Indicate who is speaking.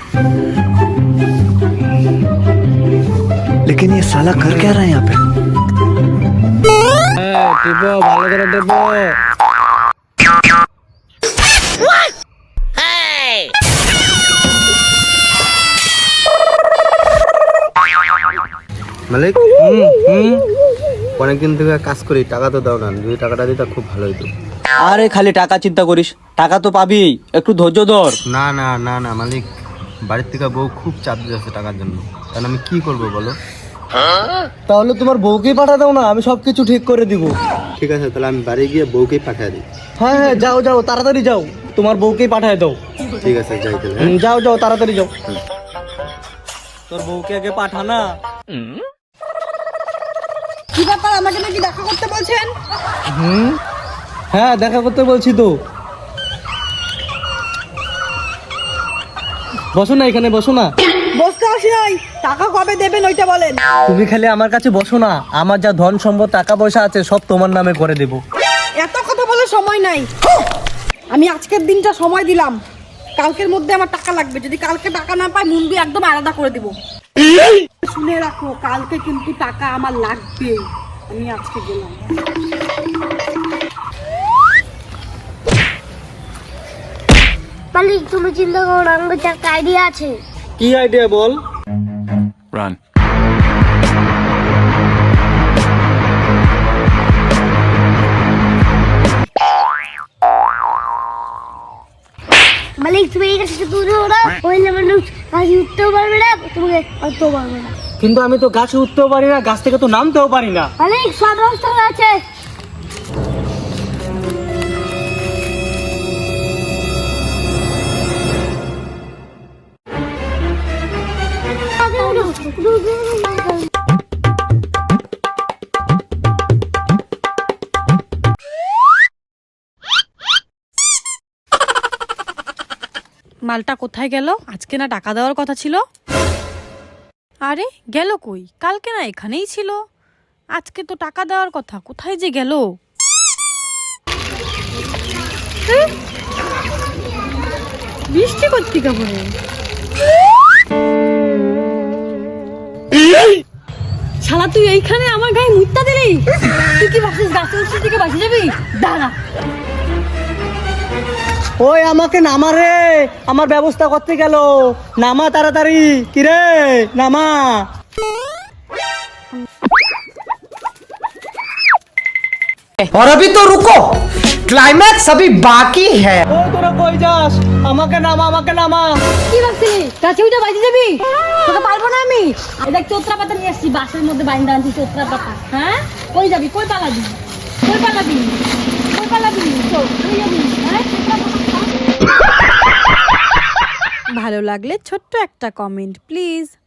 Speaker 1: लेकिन ये साला कर क्या रहा है यहाँ पे?
Speaker 2: টিপো ভালো করে টিপো।
Speaker 3: মালিক অনেকদিন থেকে কাজ করি, টাকা তো দাও না। যদি টাকাটা দিতা খুব ভালো হতো।
Speaker 2: আরে খালি টাকা চিন্তা করিস, টাকা তো পাবি, একটু ধৈর্য ধর।
Speaker 3: না না না না মালিক, বাড়ির থেকে বউ খুব চাপ দিচ্ছে টাকার জন্য। তাহলে আমি কি করব বলো?
Speaker 2: তাহলে তোমার বউকেই পাঠা দাও না, আমি সবকিছু ঠিক করে দিব।
Speaker 3: ঠিক আছে, তাহলে আমি বাড়ি গিয়ে বউকেই পাঠিয়ে দিই।
Speaker 2: হ্যাঁ হ্যাঁ, যাও যাও, তাড়াতাড়ি যাও, তোমার বউকেই পাঠায় দাও।
Speaker 3: ঠিক আছে, যাই তাহলে।
Speaker 2: যাও যাও, তাড়াতাড়ি যাও। তোর বউকে আগে পাঠা না।
Speaker 4: কি ব্যাপার, আমাকে নাকি দেখা করতে বলছেন?
Speaker 2: হ্যাঁ, দেখা করতে বলছি তো। বসো না, এখানে বসো না।
Speaker 4: বসতে আসি নাই, টাকা কবে দেবেন ওইটা বলেন।
Speaker 2: তুমি খালি আমার কাছে বসো না, আমার যা ধন সম্পদ টাকা পয়সা আছে সব তোমার নামে করে দেব।
Speaker 4: এত কথা বলে সময় নাই। আমি আজকের দিনটা সময় দিলাম, কালকের মধ্যে আমার টাকা লাগবে। যদি কালকে টাকা না পাই মুন্ডি একদম আলাদা করে দিব। শুনে রাখো, কালকে কিন্তু টাকা আমার লাগবে। আমি আজকে গেলাম।
Speaker 5: মালিক তুমি চিন্তা করো না, আমার একটা আইডিয়া আছে।
Speaker 2: কি আইডিয়া বল?
Speaker 1: Run.
Speaker 5: মালিক তুমি এই কাছে দূরে ওরা ওইলে মানুষ গাছে উঠতেও পারবে না, তোমাকে উঠতেও পারবে না।
Speaker 2: কিন্তু আমি তো গাছে উঠতেও পারি না, গাছ থেকে তো নামতেও পারি না।
Speaker 5: মালিক সব ব্যবস্থা আছে।
Speaker 6: মালটা কোথায় গেল? আজকে না টাকা দেওয়ার কথা ছিল। আরে গেল কই? কালকে না এখানেই ছিল, আজকে তো টাকা দেওয়ার কথা, কোথায় যে গেল? বৃষ্টি করতে পড়ে। শালা তুই এইখানে আমার গায়ে মুত্তা দিলি? তুই কি ভাবছিস গাছে উঠছিস থেকে বাঁচে যাবি? দাঁড়া।
Speaker 2: ওই আমাকে নামা রে, আমার ব্যবস্থা করতে গেল। নামা তাড়াতাড়ি, কি রে নামা।
Speaker 7: और अभी तो रुको, क्लाइमैक्स अभी बाकी है।
Speaker 2: ও তোরা কই যাস? আমাকে নামা, আমাকে নামা।
Speaker 6: কি ভাবছিলি গাছে উঠে বাঁচে যাবি? তোকে পারবো না আমি। আর দেখ চোত্রা পাতা নিয়ে আসছি, বাসের মধ্যে বাইন্দা আনছি চোত্রা পাতা। হ্যাঁ, কই যাবি? কই পালাবি? কই পালাবি? কই পালাবি? কই যাবি? হ্যাঁ, চোত্রা পাতা। ভালো লাগলে ছোট্ট একটা কমেন্ট প্লিজ।